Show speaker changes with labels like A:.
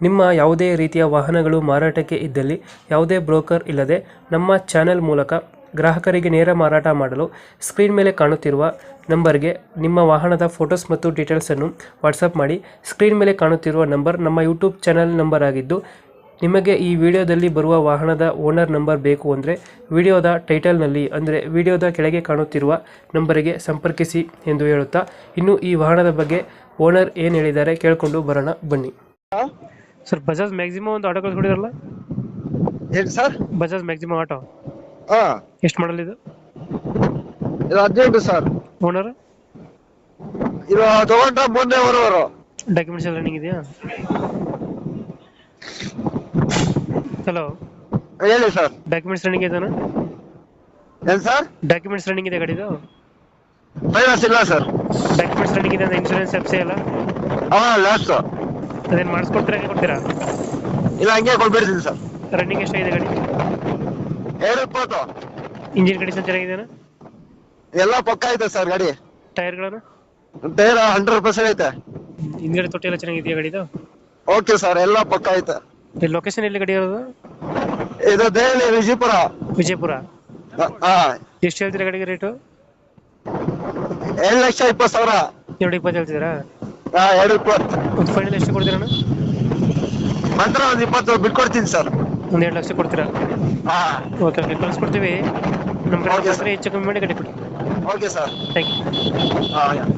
A: ನಿಮ್ಮ ಯಾವುದೇ ರೀತಿಯ ವಾಹನಗಳು ಮಾರಾಟಕ್ಕೆ ಇದ್ದಲ್ಲಿ ಯಾವುದೇ ಬ್ರೋಕರ್ ಇಲ್ಲದೆ ನಮ್ಮ ಚಾನೆಲ್ ಮೂಲಕ ಗ್ರಾಹಕರಿಗೆ ನೇರ ಮಾರಾಟ ಮಾಡಲು ಸ್ಕ್ರೀನ್ ಮೇಲೆ ಕಾಣುತ್ತಿರುವ ನಂಬರ್ಗೆ ನಿಮ್ಮ ವಾಹನದ ಫೋಟೋಸ್ ಮತ್ತು ಡೀಟೇಲ್ಸನ್ನು ವಾಟ್ಸಪ್ ಮಾಡಿ. ಸ್ಕ್ರೀನ್ ಮೇಲೆ ಕಾಣುತ್ತಿರುವ ನಂಬರ್ ನಮ್ಮ ಯೂಟ್ಯೂಬ್ ಚಾನೆಲ್ ನಂಬರ್ ಆಗಿದ್ದು, ನಿಮಗೆ ಈ ವಿಡಿಯೋದಲ್ಲಿ ಬರುವ ವಾಹನದ ಓನರ್ ನಂಬರ್ ಬೇಕು ಅಂದರೆ ವಿಡಿಯೋದ ಟೈಟಲ್ನಲ್ಲಿ ಅಂದರೆ ವಿಡಿಯೋದ ಕೆಳಗೆ ಕಾಣುತ್ತಿರುವ ನಂಬರಿಗೆ ಸಂಪರ್ಕಿಸಿ ಎಂದು ಹೇಳುತ್ತಾ, ಇನ್ನು ಈ ವಾಹನದ ಬಗ್ಗೆ ಓನರ್ ಏನು ಹೇಳಿದ್ದಾರೆ ಕೇಳಿಕೊಂಡು ಬರೋಣ ಬನ್ನಿ. ಸರ್, ಬಜಾಜ್ ಮ್ಯಾಕ್ಸಿಮಮ್ ಒಂದು ಆಟೋ ಕಳಿಸ್ಕೊಡಿದ್ರಲ್ಲ?
B: ಹೇಳಿ ಸರ್.
A: ಬಜಾಜ್ ಮ್ಯಾಕ್ಸಿಮಮ್ ಆಟೋ
B: ಹಾ,
A: ಎಷ್ಟು ಮಾಡಲ್ ಇದು?
B: ಇದು 18 ಸರ್.
A: ಓನರ್
B: ಇದು ತಗೊಂಡ್ರ ಮೊನ್ನೆ ಬರೋರು.
A: ಡಾಕ್ಯುಮೆಂಟ್ಸ್ ಎಲ್ಲ ರನ್ನಿಂಗ್ ಇದೆಯಾ? ಹಲೋ,
B: ಹೇಳಿ ಸರ್.
A: ಡಾಕ್ಯುಮೆಂಟ್ಸ್ ರನ್ನಿಂಗ್ ಇದೆನಾ?
B: ಏನ್ ಸರ್?
A: ಡಾಕ್ಯುಮೆಂಟ್ಸ್ ರನ್ನಿಂಗ್ ಇದೆ ಗಾಡಿದು?
B: ಫೈನಾನ್ಸ್ ಇಲ್ಲ ಸರ್.
A: ಡಾಕ್ಯುಮೆಂಟ್ಸ್ ರನ್ನಿಂಗ್ ಇದೆ ಅಂದ್ರೆ ಇನ್ಶೂರೆನ್ಸ್ ಎಫ್ಸಿ ಎಲ್ಲ
B: ಲಾಸ್ಟ್.
A: ಅದೇನು ಮಾಡಿಸ್ಕೊಡ್ತೀರಾ, ಹಂಗೆ ಕೊಡ್ತೀರಾ?
B: ಇಲ್ಲ, ಹಂಗೆ ಕೊಟ್ಬಿಡ್ತೀನಿ ಸರ್.
A: ರನ್ನಿಂಗ್ ಎಷ್ಟಾಗಿದೆ ಗಾಡಿ?
B: 220.
A: ಇಂಜಿನ್ ಕಂಡೀಷನ್ ಚೆನ್ನಾಗಿದೆನಾ?
B: ಎಲ್ಲ ಪಕ್ಕ ಐತೆ ಸರ್ ಗಾಡಿ.
A: ಟೈರ್ಗಳನ್ನು?
B: ಟೈರ್ 100% ಐತೆ.
A: ಹಿಂದ್ಗಡೆ ತೊಟ್ಟಿ ಎಲ್ಲ ಚೆನ್ನಾಗಿದೆಯಾ ಗಾಡಿದು?
B: ಓಕೆ ಸರ್, ಎಲ್ಲ ಪಕ್ಕ ಐತೆ.
A: ಲೊಕೇಶನ್ ಎಲ್ಲಿ ಗಾಡಿ ಇರೋದು?
B: ಇದು ದೆಹಲಿ ವಿಜಯಪುರ.
A: ವಿಜಯಪುರ.
B: ಹಾ.
A: ಎಷ್ಟು ಹೇಳ್ತೀರಾ ಗಾಡಿಗೆ ರೇಟು?
B: 7,20,000.
A: 220 ಹೇಳ್ತಿದ್ದೀರಾ?
B: ಹಾ, 220.
A: ಒಂದು ಫೈನಲ್ ಎಷ್ಟು ಕೊಡ್ತೀರಾ?
B: ಮಾತ್ರ ಒಂದು 20 ಬಿಟ್ಕೊಡ್ತೀನಿ ಸರ್.
A: ಒಂದು 2 ಲಕ್ಷ ಕೊಡ್ತೀರಾ?
B: ಹಾ,
A: ಓಕೆ ಓಕೆ, ಕಳಿಸ್ಕೊಡ್ತೀವಿ. ನಮ್ಮ ಕಡೆ
B: Okay,
A: ಹೆಚ್ಚು ಕಮ್ಮಿ ಮಾಡಿ ಗಾಡಿ ಕೊಡಿ.
B: Okay sir.
A: Thank you.
B: ಹಾ.